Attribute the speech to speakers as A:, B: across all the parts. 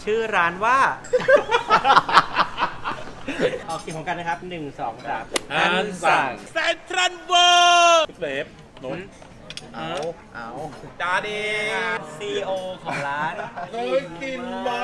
A: ชื่อร้านว่า ออกเสียงของกันนะครับ1 2 3
B: อันสั่งเซ็นทรัลเวิลด์เบฟนน
C: เอา
B: จาดี
A: CEO ของร้าน
B: เคยกินมา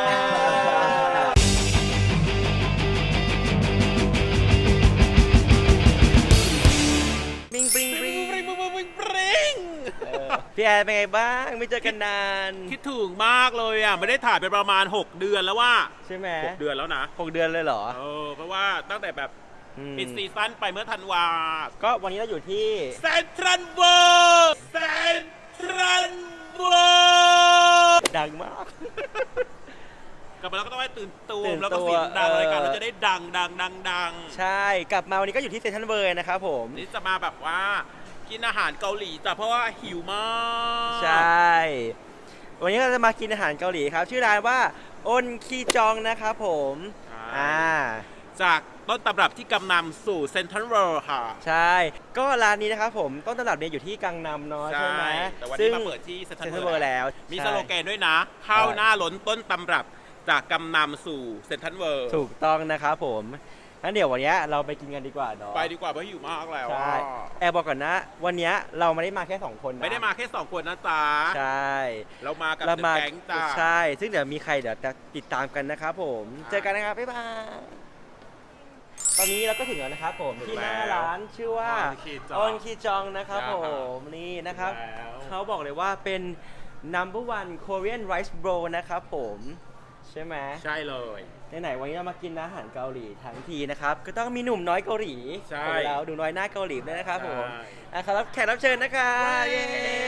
A: ปริงปริงปริง
B: ปริง
A: พี่แอนเป็นไงบ้างไม่เจอกันนาน
B: คิดถึงมากเลยอ่ะไม่ได้ถ่ายไปประมาณ6เดือนแล้วว่า
A: ใช่ไหม
B: 6เดือนแล้วนะ
A: 6 เดือนเลยเหรอ
B: เพราะว่าตั้งแต่แบบ ปิดซีซั่นไปเมื่อธันวา
A: ก็วันนี้เราอยู่ที่
B: เซ็นทรัลเวิลด์เซ็นทรัลเวิลด์
A: ดังมาก
B: กลับมาแล้วก็ต้องให้ตื่นตู
A: ตื่
B: ม
A: น
B: แล้วก็
A: ตัว
B: เสียงดัง
A: เออ
B: รายการเราจะได้ดัง
A: ใช่กลับมาวันนี้ก็อยู่ที่เซนทรัลเวิลด์นะครับผม
B: นี่จะมาแบบว่ากินอาหารเกาหลีจ้ะเพราะว่าหิวมาก
A: ใช่วันนี้เราจะมากินอาหารเกาหลีครับชื่อร้านว่าอนคีจองนะครับผม
B: จากต้นตำรับที่กำนำสู่เซ็นทรัลเวิลด์ค่ะ
A: ใช่ก็ร้านนี้นะครับผมต้นตำรับเนี่ยอยู่ที่กังนำเนาะใช่ไหม
B: แต่วันนี้มาเปิดที่เซ็นทรัลเวิลด์
A: แล้ว
B: มีสโลแกนด้วยนะข้าวหน้าล้นต้นตำรับจากกำนำสู่เซ็นทรัลเวิลด์
A: ถูกต้องนะครับผมงั้นเดี๋ยววันนี้เราไปกินกันดีกว่าเนาะ
B: ไปดีกว่าเพราะหิวมากแล้ว
A: ใช่แอบบอกก่อนนะวันนี้เราไม่ได้มาแค่2คนนะ
B: ไม่ได้มาแค่2คนนะจ๊ะ
A: ใช่
B: เรามากับ
A: เรามา
B: แก๊งจ้า
A: ใช่ซึ่งเดี๋ยวมีใครเดี๋ยวจะติดตามกันนะครับผมเจอกันนะครับบ๊ายบายตอนนี้เราก็ถึงแล้วนะครับผมที่หน้าร้านชื่อว่าอนคีจองนะครับผมนี่นะครับเขาบอกเลยว่าเป็น number one Korean rice bowl นะครับผมใช่ไหม
B: ใช่เลย
A: ไหนๆวันนี้เรามากินอาหารเกาหลีทั้งทีนะครับก็ต้องมีหนุ่มน้อยเกาหลี
B: ใช่
A: ของเราดูน้อยหน้าเกาหลีด้วยนะครับผม
B: ใช่
A: ครับแขกรับเชิญนะครับเย้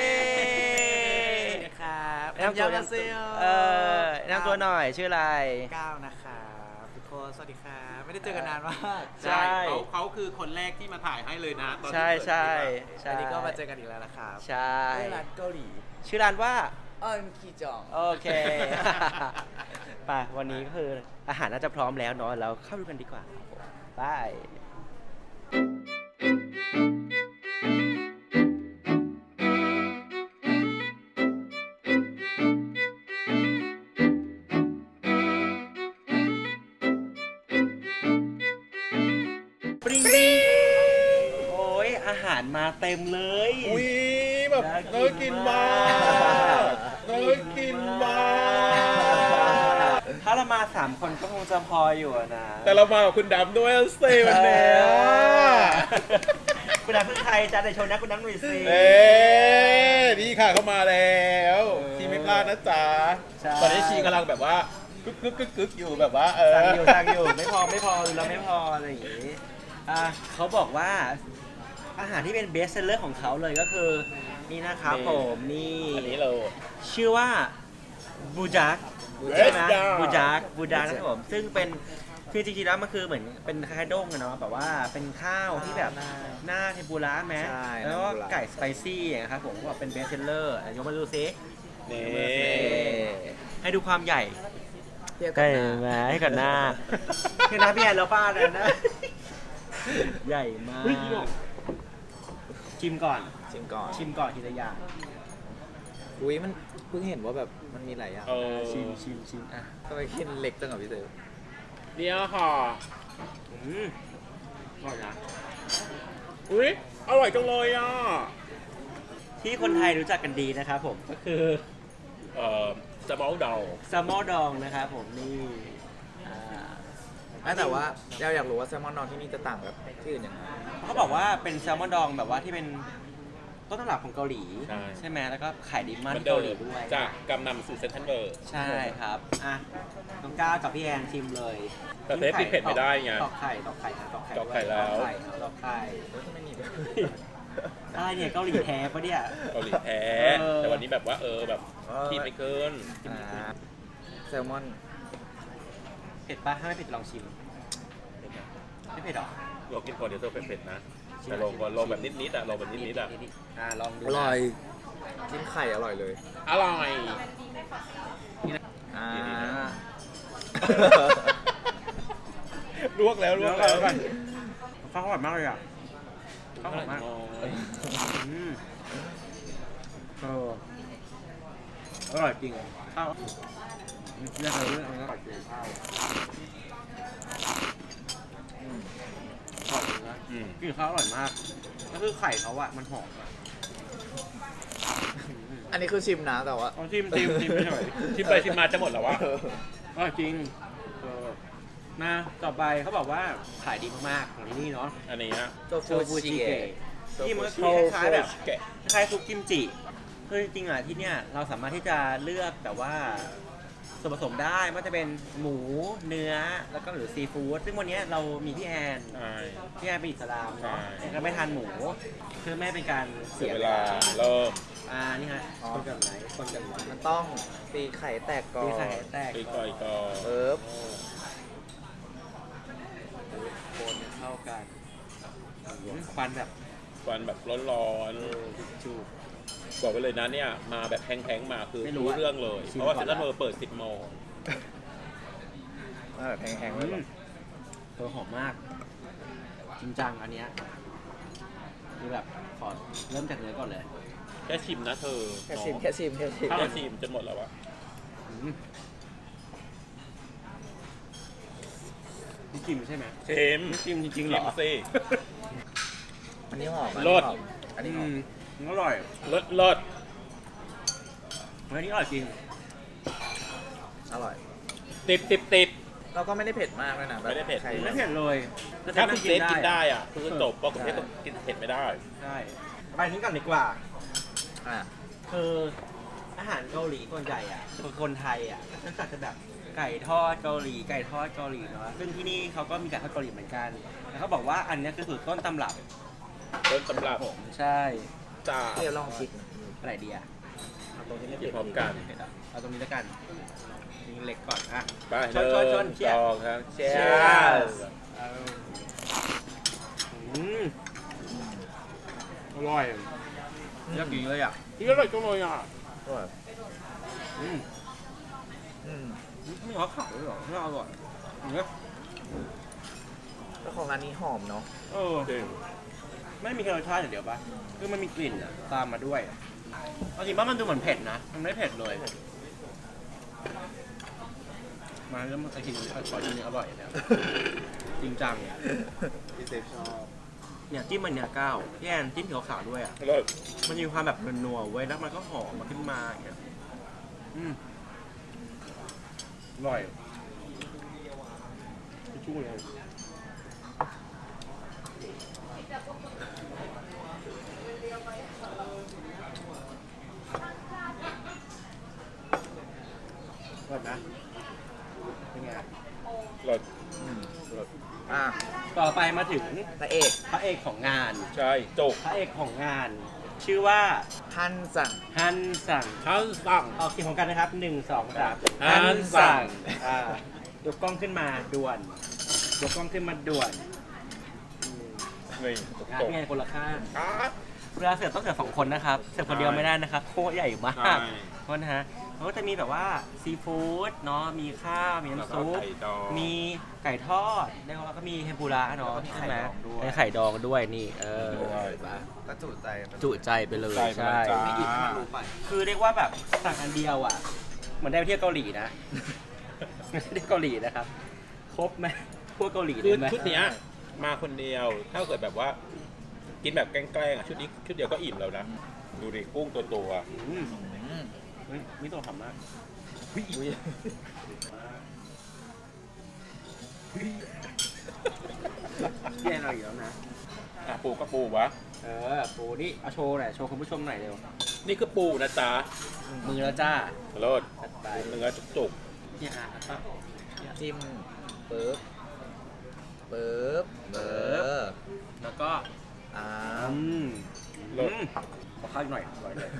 C: ครับ
A: แนะนำตัวแนะนำตัวหน่อยชื่ออะไร
C: ก้าวนะครับทุกคนสวัสดีครับไม่ได้เจอกันนานมาก
A: ใช่
B: เขาคือคนแรกที่มาถ่ายให้เลยนะตอนที่
A: ใช่
B: เปิด
A: ใช่
C: อันนี้ก็มาเจอกันอีกแล้วนะครับ
A: ใช่
C: ที่ร้านเกาหลี
A: ชื่อร้านว่า
C: ออนคีจอง
A: โอเค ไปวันนี้ก็คืออาหารน่าจะพร้อมแล้วเนาะเราเข้าดูกันดีกว่าครับผมไปปริงปริงโอ้ยอาหารมาเต็มเลย
B: อุ้ยแบบน่ากินมากน่ากินมาก
A: ถ้าเรามา3คนก็คงจะพออยู่อะนะ
B: แต่เรามากับคุณดำด้วยเซ่วันนี้
A: คุณน้ำพึ่งไทยจ้าแต่โชว์นะคุณน้ำหนุ่ยซี
B: นี่ค่ะเข้ามาแล้วชีไม่พลาดนะจ๊ะ
A: ใช่
B: ตอนนี้ชีกำลังแบบว่ากึกอยู่แบบว่า
A: สั่งอยู่ไม่พอหรือเราไม่พออะไรอย่างงี้เขาบอกว่าอาหารที่เป็นเบสเซลเลอร์ของเขาเลยก็คือนี่นะครับผมนี่
B: อันนี้เรา
A: ชื่อว่าบูจักใช่ไหมบูจักนะครับผมซึ่งเป็นคือจริงๆแล้วมันคือเหมือนเป็นคล้ายๆด้งอะเนาะแบบว่าเป็นข้าวที่แบบหน้าเทมปุระไหมแล้วก็ไก่สไปซี่อย่างครับผมว่าเป็นเบสเซลเลอร์ยกมาดูซิ
B: นี่
A: ให้ดูความใหญ่
C: เทียบกั
A: ใช่
C: นนะ
A: ไหมให้ก่อนหน้าคือนะพี่แอนเราฟาดเลยนะ ใหญ่มากชิมก่อน
C: ชิมก่อน
A: ทีละอย่าง
C: อุ้ยมันเพิ่งเห็นว่าแบบมันมีหลายอย่าง
A: ชิมอ่ะ
C: ทำไมกินเล็กจังกับพี่เต๋อ
B: เนี่ยค่ะ
A: อร่อยนะ
B: อุ้ยอร่อยจังเลยอ่ะ
A: ที่คนไทยรู้จักกันดีนะครับผมก็คือ
B: สมอลดาว
A: แซลมอนดองนะครับผมนี่
C: แต่ว่าเราอยากรู้ว่าแซลมอนนอนที่นี่จะต่างกับที่อื่นยังไง
A: เขาบอกว่าเป็นแซลมอนดองแบบว่าที่เป็นต้นตำรับของเกาหลีใช่ไหมแล้วก็ขายดีมากที่เกาหลีด้วย
B: จากกำนำสู่เซ็นทรัลเวิลด์
A: ใช่ครับอ่ะน้องก้าวกับพี่แอนชิมเลย
B: แต่เทปติดเผ็ดไม่ได้ไง
A: ตอกไข่นะตอกไข่
B: ตอกไข่แล้ว
A: ตอกไข่
C: ทำไมมีแบบ
A: อะไรเนี่ยเกาหลีแท้ปะเนี่ย
B: เกาหลีแท้แต่วันนี้แบบว่าแบบขีดไม่เกิน
C: แซลมอน
A: เผ็ดปะถ้าไม่เผ็ดลองชิมไม่เผ็ดหรอ
B: ลองกินก่อนเดี๋ยวเธอเผ็ดๆนะแต่ลองก่อนลองแบบนิดๆอ่ะลองแบบนิดๆอ่ะ
A: ลองดู
C: อร่อยจิ้มไข่อร่อยเลย
B: อร่อย ลวกแล้ว
A: ข้าวหอมมากเลยอ่ะข้าวหอมมากอร่อยจริงข้าวเลือกเลยเลือกเลยปัดเกลือข้าวอร่อยนะกินข้าวอร่อยมากก็คือไข่เขาอะมันหอมอะ
C: อันนี้คือชิมนะแต่ว่า
A: เอาชิมไม่หน่อย
B: ชิมไปชิมมาจะหมดแล้ววะ
A: อร่อยจริงมาต่อไปเขาบอกว่าขายดีมากๆของที่นี่เนาะ
B: อันนี้ฮะ
C: โต
A: โช
C: ฟู
A: ฟู
C: ชิ
A: จิ
C: เกะ
A: เกะที่มันก็คือคล้ายๆแบบคล้ายๆซุปกิมจิคือจริงๆอ่ะที่เนี่ยเราสามารถที่จะเลือกแบบว่าส่วนผสมได้ไม่ว่าจะเป็นหมูเนื้อแล้วก็หรือซีฟู้ดซึ่งวันนี้เรามีพี่แอน
B: ใช่
A: พี่แอนเป็นอิสลามเนาะ
B: ใช่
A: ก็ไม่ทานหมูเพื่อไม่ให้เป็นการ
B: เสี
A: เสี
B: ย
A: ย
B: เว
A: เว
B: ลา
A: ลา
B: เริ่ม
A: นี่ฮะคนกับไหนคนกับไหน
C: มันต้องตีไข่แตกก่อน
A: ตีไข่แตก
B: อีกก่อนอีกก่อน
C: เอิบ
A: คนเข้ากันควันแบบ
B: ฟันแบบร้อน
A: จูบ
B: ๆบอกไว้เลยนะเนี่ยมาแบบแพงๆมาคือ
A: ไม่รู้
B: รู้
A: อะ
B: เรื่องเลย
A: ชิม
B: เพราะว่า
A: ก่
B: เซ็
A: อน
B: นทรัล
A: ละ
B: เวิลด์เปิด 10 โมง
C: มาแบบแห้งๆเลยเหรอ
A: หอมมาก จริงจังอันเนี้ยคือแบบขอเริ่มจากเนื้อก่อนเลย
B: แค่ชิมนะเธอ
C: แค่ชิม
B: เนาะ
C: แค่ชิมแค่ชิม
B: แค่ชิมจนหมดแล้ววะ
A: นี่จิ้มใช่ไหม
B: ชิม
A: จิ้มจริงๆเหรอ
B: ชิมสิ
C: อันนี้หอม
B: รส
C: อันนี้หอม
A: มันอร่อย
B: เลิศ
A: อันนี้อร่อยจริง
C: อร่อย
B: ติด
C: เราก็ไม่ได้เผ็ดมากด้วยนะแบบ
B: ไม่ได้เผ็ด
C: ใคร
A: ไม่เผ็ดเลย
B: ถ้าคุณเซฟกินได้อ่ะคือจบเพราะคุณเซฟกินเผ็ดไม่ได้
A: ใช่ไปนี้ก่อนดีกว่า
C: อ่ะ
A: คืออาหารเกาหลีส่วนใหญ่อ่ะคือคนไทยอ่ะก็จะแบบไก่ทอดเกาหลีไก่ทอดเกาหลีเนาะซึ่งที่นี่เขาก็มีไก่ทอดเกาหลีเหมือนกันแล้วเขาบอกว่าอันเนี้ยคือสูตรต้นตำรับ
B: ต้นตำรับ
A: ผมใช่
B: จ้า
C: เดี๋ยวลองชิม
A: อะไรดีอ่ะเอาตรงนี้ไม่
B: กิ
A: เผ็
B: น
A: ด
B: พร้อมกัน
A: เอาตรงนี้แล้วกันนี่เล็กก่อนอ่ะ
B: ไป
A: ชนชนชนเชียร์
B: สองครับเชีย
C: Cheers
A: เอาอร่อยอยากกินเลยอ่ะ
B: นี่อร่อยจังเลยอ่ะ
C: อร่อย
A: อืม
C: อืม
A: ไม่เขาขาวเลยเหรอไม่อร่อยอย่างเงี้ย
C: แล้วของอันนี้หอมเนาะ
A: เออ
B: จริง
A: ไม่มีแค่รสชาติอย่างเดียวปะคือมันมีกลิ่นอะตามมาด้วยเอาจริงว่ามันดูเหมือนเผ็ดนะ มันไม่เผ็ดเลย มาแล้วมันไอทีนี้ขอทีนี้อร่อยนะจริงจัง
C: พี่เซฟชอบ
A: เนี่ยจิ้มมันเนี่ยก้าวพี่แอนจิ้มขาวๆด้วยอ่ะ
B: อร่อย
A: มันมีความแบบนัวๆเว้ยแล้วมันก็หอมมาขึ้นมาอย่างเงี้ยอร่อยทิชชู่เลยอร่อยนะเป็นไง
B: อร่อย
C: อ่ะ
A: ต่อไปมาถึง
C: พระเอก
A: พระเอกของงาน
B: ใช่จก
A: พระเอกของงาน ชื่อว่า
C: ท่านสั่ง
A: ฮันสั่ง
B: ทั้งสั่ง
A: ออกเสียงของกันนะครับ1 2 3
B: ฮันสั่ง
A: ยกกล้องขึ้นมาด่วนยกกล้องขึ้นมาด่วน
B: นี่
A: งาน
B: จก
A: พี่แอนคนละข้าง
B: อ่ะ
A: เวลาเสิร์ฟต้องเสิร์ฟ2 คนนะครับเสิร์ฟคนเดียวไม่ได้นะครับโคตรใหญ่มาก
B: ใช่
A: เพราะนะฮะเขาก็จะมีแบบว่าซีฟู้ดเนาะมีข้าวมี
B: แล้ว
A: น้ำ
B: ก็
A: ซุป
B: ไข่ดอง
A: มีไก่ทอดแล้วก็มีเทมปุระเนาะ
C: แล้วก็มี
A: ใช่ไหม
C: ไข่ดองด้วย
A: มีไข่ดองด้วยนี่
B: ด้วย
C: ก็จุใจ
A: จุใจไปเลย
B: ใช่
A: ใช่
B: จ้า
C: ไม่อิ่มให้มันรู้ไป
A: คือเรียกว่าแบบสั่งอันเดียวอ่ะ เหมือนได้ไปเที่ยวเกาหลีนะ ไม่ได้เกาหลีนะครับ ครบไหมพวกเกาหลี
B: คือ
A: ได้ไหม
B: ชุดเนี้ยมาคนเดียว ถ้าเกิดแบบว่า กินแบบแกล้งๆอ่ะชุดนี้ชุดเดียวก็อิ่มแล้วนะ ดูดิกุ้งตัว
A: อืมเฮ้ยมิโตะทำมากแย่เราอีกแล้วนะ
B: ๆอ่ะปูก็ปูวะ
A: ปูนี่เอาโชว์หน่อยโชว์คุณผู้ชมหน่อยเร็ว
B: นี่คือปูนะจ๊ะ
A: มือแล้วจ้า
B: โรด
A: จัดไป
B: เนื้อจุก
A: เนี่ยอ่ะครับ
C: จิ้มปึ๊บปึ๊บเออ
A: แล้วก็
C: อ่า
B: ๆโรด
A: ขอข้าวอีกหน่อยอร่อยเลย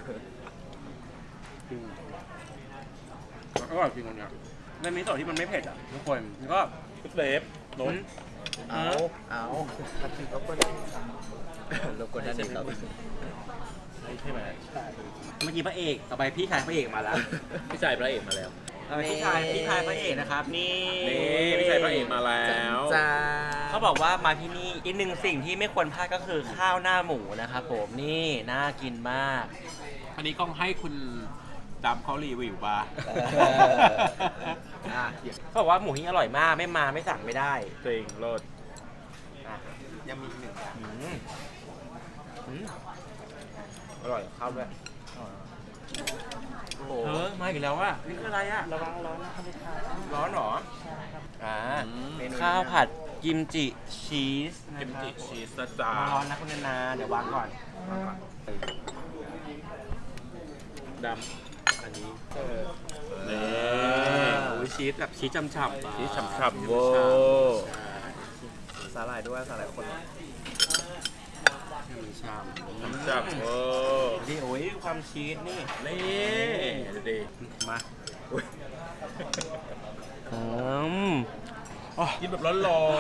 A: อร่อยจริงอันเนี้ยในมิโตะที่มันไม่เผ็ดอ่ะทุกคนแล้วก็
B: ชุดเซฟโน้น
C: เอารบกวนท่านอีกครับ
B: ใช่ไหม
A: เมื่อกี้พระเอกต่อไปพี่ชายพระเอกมาแล้ว
B: พี่ชายพระเอกมาแล้ว
A: พี่ชายพระเอกนะครับ นี่
B: นี่พี่ชายพระเอกมาแล้ว
C: จ้า
A: เขาบอกว่ามาที่นี่อีกหนึ่งสิ่งที่ไม่ควรพลาดก็คือข้าวหน้าหมูนะครับผมนี่น่ากินมาก
B: อันนี้ต้องให้คุณจำเขารีวิวป่ะ
A: อ่ะเขาบอกว่าหมูหิ้งอร่อยมากไม่มาไม่สั่งไม่ได้
B: จริงโลด
A: อ่ะ
C: ยังมีอีกหนึ่งอย่าง
A: อืมอร่อยเข้าด้วย
C: โอ้โห
A: มาอีกแล้วอ่ะนี่คืออะไรอ่ะระวังร้อนนะครับร้อนเหรออ่าข้าวผัดกิมจิชีส
B: กิมจิ
A: นะครับ
B: ชีสนะจ๊ะ
A: ร้อนนะคุณนาเดี๋ยววางก่อน
B: ดำอันนี้นี่
A: โอ้ยชีสแบบชีสฉ่ำๆ
B: ชีสฉ่ำๆเวอร์
C: สาหร่ายด้วยสาหร่ายคน
A: ฉ่ำ
B: ฉ่ำๆเวอร์
A: นี่โอ้ยความชีสนี่
B: นี่ดูดิ
A: มาอืม
B: กินแบบร้อน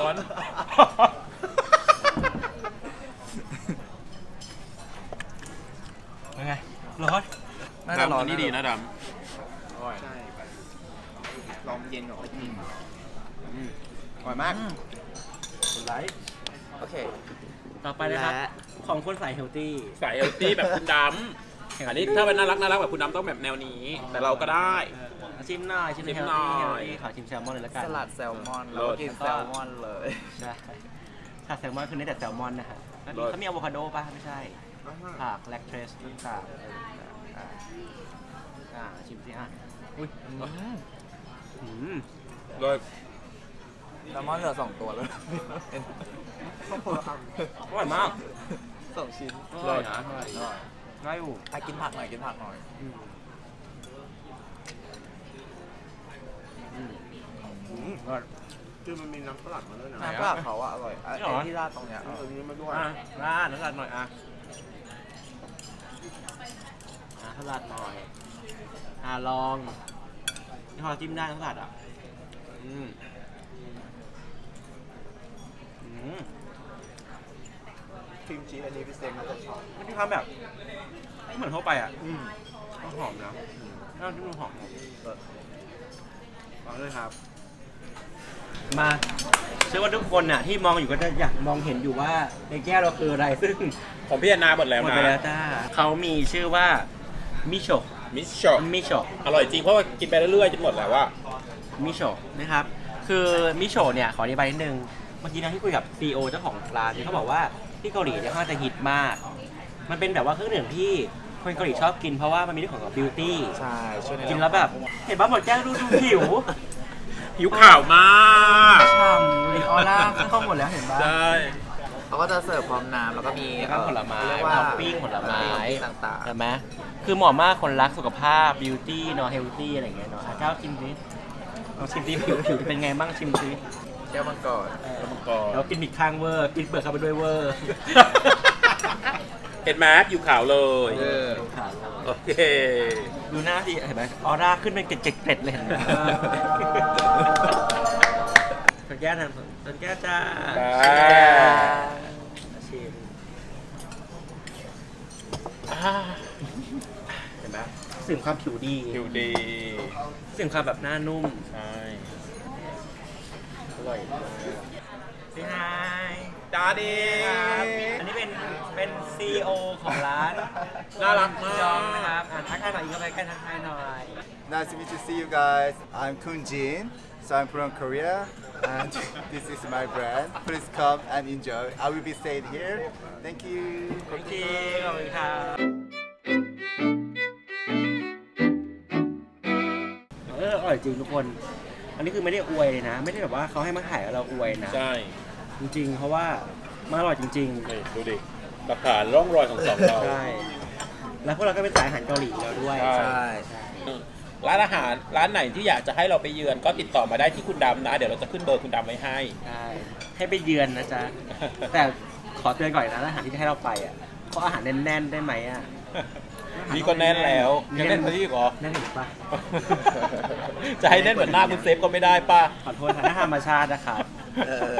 A: เป็นไงร้อน
B: ๆ
C: น่าจะร้อน
B: ดำอันนี้ดีนะด
C: ใช่ลองเย็นก่อนอร่อยมาก
A: คนไลค์
C: โอเค
A: ต่อไปนะครับ
C: และ
A: ของคนใส่เฮลตี้
B: ำใส่เฮลตี้แบบคุณดำอันนี้ถ้าเป็นน่ารักแบบคุณดำต้องแบบแนวนี้ แต่เราก็ได้
A: ชิมหน่อยชิม
B: ชิม
A: เฮล
B: หน่
A: ตี้
B: อย
A: ขอชิมแซลมอนเลยละกัน
C: สลัดแซลมอน
B: เลิ
C: เรา
B: ศ
C: กินแซลมอนเลย
A: ใช่สลัดแซลมอนคือเน้นแต่แซลมอนนะฮะแล้วมี
B: เลิศ
A: เขามีอะโวคาโดป่ะไม่ใช่ผักแลคเทรสต่างๆชิมสิฮะอุ้ยอืม
B: โดย
C: แซลมอนเหลือ2 ตัวแล้ว
A: อร่อยมาก
C: 2 ชิ้น
A: อร่อยนะง่ายอยู่
C: กินผักหน่อยกินผักหน่อย
D: คือมันมีน้ำสลัดมาด้วยนะ
C: น้ำปลาเขาอะอร่อยไอ้ที่ราดตรงเนี้ย
D: ตรงนี้มาด้วย
A: ราดน้ำสลัดหน่อยสลัดหน่อยลองนี่พอจิ้มได้น้ำสลัดอ่ะอืม
D: ครีมชีสอันนี้พี่เซมน่าจะชอบ
A: มันมีความแบบไม่เหมือนทั่วไปอ่ะหอมนะน้ำจิ้มหอมลองด้วยครับ มาเชื่อว่าทุกคนน่ะที่มองอยู่ก็จะอยากมองเห็นอยู่ว่าในแก้วเราคืออะไรซึ่ง
B: ของพี่แอนนาหมดแล้ว
A: หมด
B: นะ
A: ไปแล้วจ้าเขามีชื่อว่ามิโชะ
B: มิชโช
A: มิโชะ
B: อร่อยจริงเพราะว่ากินไปเรื่อยๆจนหมดแล้วว่า
A: มิโชะนะครับคือมิโชะเนี่ยขออธิบายนิดนึงเมื่อกี้นะที่คุยกับ CEO เจ้าของร้านเนี่ยเขาบอกว่าที่เกาหลีเนี่ยค่อนข้างจะฮิตมาก มันเป็นแบบว่าเครื่องดื่มที่คนเกาหลีชอบกินเพราะว่ามันมีเรื่องของบิวตี้
C: ใช่ช่วยใน
A: กินแล้วแบบเห็นบ้าหมดแก้วดูผิว
B: ผิวขาวมาก
A: ฉ่ำดูออร่าขึ้นกล้องหมดแล้วเห็นบ้า
B: ใช่
C: เขาก็จะเสิร์ฟพร้อมน้ำแล้วก็มี
A: แล้วก็ผลไม้
C: เรียกว่า
A: ท็อปปิ้งผลไม้
C: ต่าง
A: เห็นไหมคือเหมาะมากคนรักสุขภาพบิวตี้เนาะเฮลตี้อะไรอย่างเงี้ยเนาะเจ้าชิมสิลองชิมสิผิวเป็นไงบ้างชิมสิ
C: ๆแก้วมังกร
B: แล้วมังกร
A: แล้วกินบิดข้างเวอร์กินเปลือกเข้าไปด้วยเวอร์
B: เห็นไหมผิวขาวเลย โอเค
A: ดูหน้าสิเห็นไหมออร่าขึ้นเป็นเกล็ดๆเลยเห็นไหมสันแก้วทันสันแก้วจ้า
B: จ้า
A: ชิมเห็นไหมสิ่งความผิวดี
B: ผิวดี
A: สิ่งความแบบหน้านุ่ม
B: ใช่
A: อร่อยมากพี่ไฮ
B: จ้าดี
A: อันนี้เป็น CEO ของร้าน
B: น่ารักมาก
A: จองนะครับทักทายหน่อยอีกไปใกล้ทักทายหน่อย
D: Nice to meet you, see you guys. I'm Kun Jin, so I'm from Korea, and this is my brand. Please come and enjoy. I will be staying here. Thank you.
A: ขอบคุณครับอร่อยจริงทุกคน อันนี้คือไม่ได้อวยเลยนะ ไม่ได้แบบว่าเขาให้มาถ่ายแล้วเราอวยนะ
B: ใช่
A: จริงๆ เพราะว่ามันอร่อยจริง
B: นี่ดูดิหลักฐานร่องรอยของสองเรา
A: ๆ ใช่ แล้วพวกเราก็เป็นสายอาหารเกาหลีแล้วด้วย
B: ใช่
C: ใช่
B: ร้านอาหารร้านไหนที่อยากจะให้เราไปเยือนก็ติดต่อมาได้ที่คุณดำนะ เดี๋ยวเราจะขึ้นเบอร์คุณดำไว้ให้
A: ใช่ให้ไปเยือนนะจ๊ะ แต่ขอเตือนก่อนนะร้านอาหารที่จะให้เราไปอ่ะขออาหารแน่นๆได้ไหมอ่ะ
B: นี่ก็แน่นแล้วยังแน่นกว่าที่อีกเหรอ
A: แน่นอีกปะ
B: จะให้แน่นเหมือนหน้าคุณเซฟก็ไม่ได้ป่ะ
A: ขอโทษค่ะถ้าธรรมชาตินะครับ
C: เออ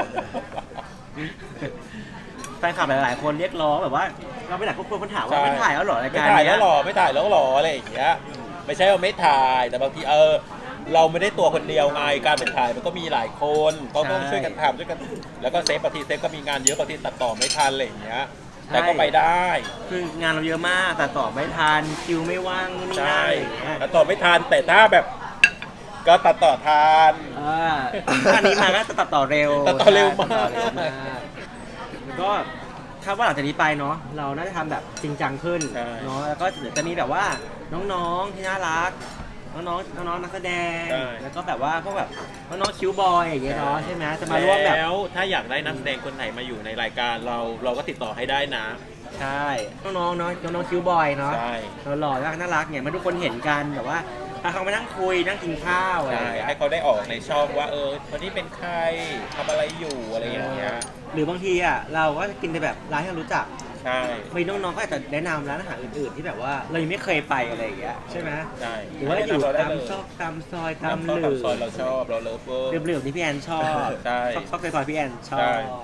A: แฟนคลับหลายๆคนเรียกร้องแบบว่าเราไปไหนพวกคนถามว่าไม่ถ่ายแล้วเหรอราย
B: ไม่
A: การ
B: ถ่าย
A: เนี้
B: แล้
A: ยว
B: หรอไม่ถ่ายแล้วหรออะไรอย่างเงี้ยไม่ใช่ว่าไม่ถ่ายแต่บางทีเราไม่ได้ตัวคนเดียวไงการเป็นถ่ายมันก็มีหลายคนก็ต้องช่วยกันทำช่วยกันแล้วก็เซฟบางทีเซฟก็มีงานเยอะบางทีตัดต่อไม่ทันอะไรอย่างเงี้ยแต่ก็ไปได้
A: คืองานเราเยอะมากแต่ต่อไม่ทันคิวไม่ว่างนู่นนี่
B: ใช่
A: นั่น
B: ตัดต่อไม่ทันแต่ถ้าแบบก็ตัดต่อทัน
A: ถ้าอันนี้มาก็จะตัดต่อเร็ว
B: ตัดต่อเร็วมาก
A: ตัดต่อเร็วมากแล้วก็คาดว่าหลังจากนี้ไปเนาะเราน่าจะทำแบบจริงจังขึ้น
B: ใช่
A: เนาะแล้วก็เดี๋ยวจะมีแบบว่าน้องๆที่น่ารักน้องนักแสดง
B: ใช่
A: แล้วก็แบบว่าพวกแบบน้องๆคิวบอยอย่างเงี้ยเนาะใช่ไหมจะมาร่วมแบบ
B: แล้วถ้าอยากได้นักแสดงคนไหนมาอยู่ในรายการเราก็ติดต่อให้ได้นะ
A: ใช่น้องๆเนาะน้องๆคิวบอยเนาะ
B: ใช่
A: เราหล่อน่ารักเนี่ยมาทุกคนเห็นกันแบบว่าพาเขามานั่งคุยนั่งกินข้าวอะไรอ
B: ใช่
A: ย่างเงี้ย
B: ให้เขาได้ออกในช่องว่าคนนี้เป็นใครทำอะไรอยู่อะไรอย่างเงี้ย
A: หรือบางทีอ่ะเราก็จะกินในแบบร้านที่เรารู้จัก
B: ใช่
A: มีน้องๆก็อาจจะแนะนำร้านอาหารอื่นๆที่แบบว่าเรายังไม่เคยไปอะไรอย่างเงี้ยใช่ไหม
B: ใช่
A: หรือว่าอยู่
B: เรได้
A: ตาม
B: เลย
A: ซอกตามซอยตาม
B: ตาม
A: หลื
B: ซอยเราชอบเราเลิฟเวอร์
A: เหลือบๆที่พี่แอนชอบ
B: ใช่
A: ซอกซอยพี่แอนชอ
B: ใช่
A: บ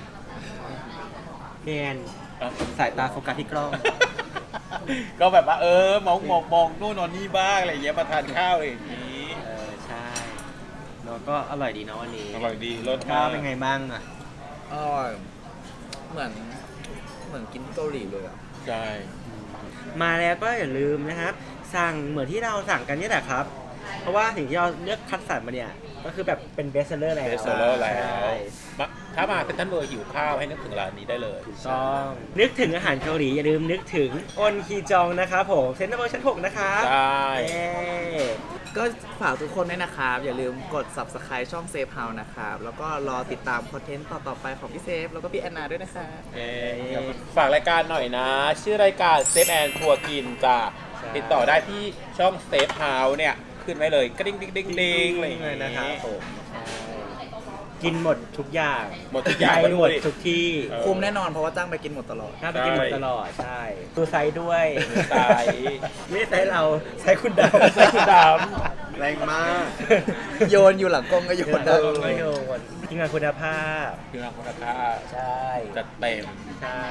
A: พี่แอน
B: อ่ะ
A: สายตาโฟกัสที่กล้อง
B: ก็แบบว่ามองนู่นนอนนี่บ้างอะไรอย่างเงี้ยมาทานข้าวอะไรอย่างงี้
A: ใช่เนาะก็อร่อยดีเนาะวันนี้
B: อร่อยดีรส
A: ข้าวเป็นไงบ้างอ่ะ
C: อร่อยเหมือนกินที่เกาหลีเลยอ่ะ
B: ใช่
A: มาแล้วก็อย่าลืมนะครับ สั่งเหมือนที่เราสั่งกันนี่แหละครับ เพราะว่าสิ่งที่เราเลือกคัดสรรมาเนี่ยก็คือแบบเป็นเบสเซอร์แล้ว
B: เบสเซอร์แล้ว
A: ใช่
B: ถ้ามาเซ็นทรัลเวิลด์หิวข้าวให้นึกถึงร้านนี้ได้เลย
A: ต้องนึกถึงอาหารเกาหลีอย่าลืมนึกถึงอนคีจองนะครับผมเซ็นทรัลเวิลด์ชั้น 6 นะครับ
B: ใช่
A: เย้
C: ก็ฝากทุกคนด้วยนะครับ อย่าลืมกด subscribe ช่อง Safe House นะครับ แล้วก็รอติดตามคอนเทนต์ต่อๆไปของพี่เซฟ แล้วก็พี่แอนนาด้วยนะครับ
B: ฝากรายการหน่อยนะ ชื่อรายการเซฟแอนทัวร์กินจ้ะติดต่อได้ที่ช่องเซฟเฮาส์เนี่ย ขึ้นไว้เลยกระดิ่งๆๆๆอะไรอย่าง
A: เล
B: เงี้
A: ยนะครับ
B: ย
A: ผมกินหมดทุกอย่าง
B: หมดทุกอย่าง
A: ไปหมด
B: ด้วย
A: ทุกที่
B: เออ
C: คุ้มแน่นอนเพราะว่าจ้างไปกินหมดตลอด
A: น่าไปกินหมดตลอดใช่ตัวไซส์ด้วย
B: ไซส์
A: ไม่ใช่ไซส์เราไซส์คุณดาวไซส์คุณดาว
D: แรงมาก
C: โยนอยู่หลังกล้องก็โยนได้
A: ไม่โยนทีมงานคุณภาพ
B: คือราคุณภาพ
A: ใช่
B: จัดเต็ม
A: ใช่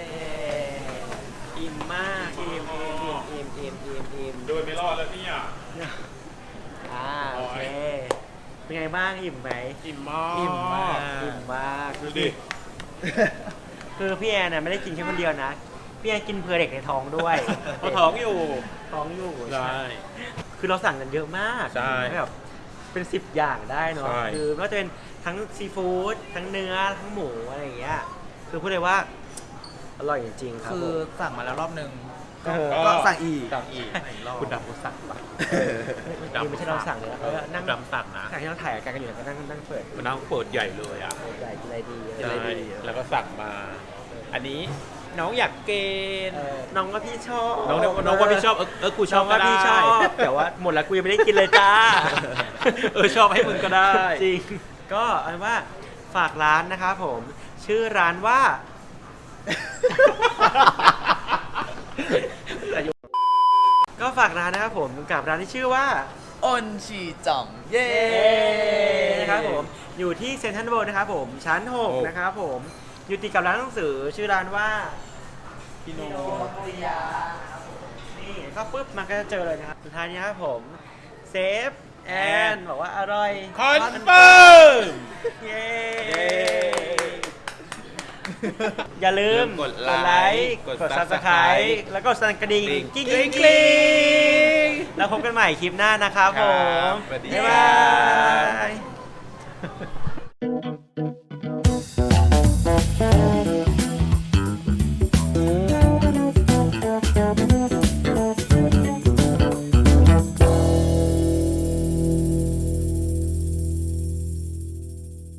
A: อิ่มมากอิ่ม
B: โดยไม่รอดแล้วเนี่ย
A: โอเคเป็นไงบ้างอิ่มไหม
B: อิ่มมาก
A: อิ่มมาก
B: ดูดิ
A: คือพี่แอนน่ะไม่ได้กินแค่คนเดียวนะพี่แอนกินเพื่อเด็กในท้องด้วย
B: เขาท้องอยู่
A: ท้องอยู่
B: ใช่
A: คือเราสั่งกันเยอะมาก
B: ใช่
A: แบบเป็น10อย่างได้เนาะ
B: ใช่
A: คือไม่ว่าจะเป็นทั้งซีฟู้ดทั้งเนื้อทั้งหมูอะไรอย่างเงี้ยคือพูดเลยว่าอร่อยจริงๆครับ
C: คือ
A: ผม
C: สั่งมาแล้วรอบนึง
A: เออ
C: ก็สั่งอีก
B: สั่งอีกคุณดำคุณสั่งปะ
A: ไม่ใช่เราสั่งเลยนะเขาก็นั่ง
B: ดำสั่งนะ
A: สั่งที่เราถ่ายกันอยู่แล้วก็นั่งเปิด
B: มันนั่งเปิดใหญ่เลยอ่ะ
A: ใหญ่กินอะไรดี
B: ใช่แล้วก็สั่งมา อันนี้น้องอยากเกณฑ์
A: น้องว่าพี่ชอบ
B: น้องว่าพี่ชอบกูช
A: น้
B: อ
A: อบ ง
B: ก็
A: ว่า
B: ได้
A: พี่ชอบแต่ว่าหมดแล้วกูยังไม่ได้กินเลยจ้า
B: ชอบให้มึงก็ได้
A: จริงก็เอาเป็นว่าฝากร้านนะครับผม ชื่อร้านว่า ก็ฝากร้านนะครับผมกับร้านที่ชื่อว่า
C: อนชีจ่อง เย้
A: นะครับผมอยู่ที่เซ็นทรัลเวิลด์นะครับผมชั้น 6 นะครับผมอยู่ติดกับร้านหนังสือชื่อร้านว่า
B: พี่โน
A: ภริยานี่ก็ปุ๊บมันก็จะเจอเลยนะครับสุดท้ายนี้ครับผมเซฟแอนบอกว่าอร่อย
B: คอนเฟิร์ม
A: เย้อย่าลืม
B: กดไลค์
A: กด
B: กด
A: Subscribe แล้วก็สั่นกระดิ่ง
B: กริ๊ง
A: กิ๊ง
B: กริ๊ง
A: แล้วพบกันใหม่คลิปหน้านะครับผม
B: สวัสดี
A: บ๊าย
B: ครับ
A: า
B: บ
A: ย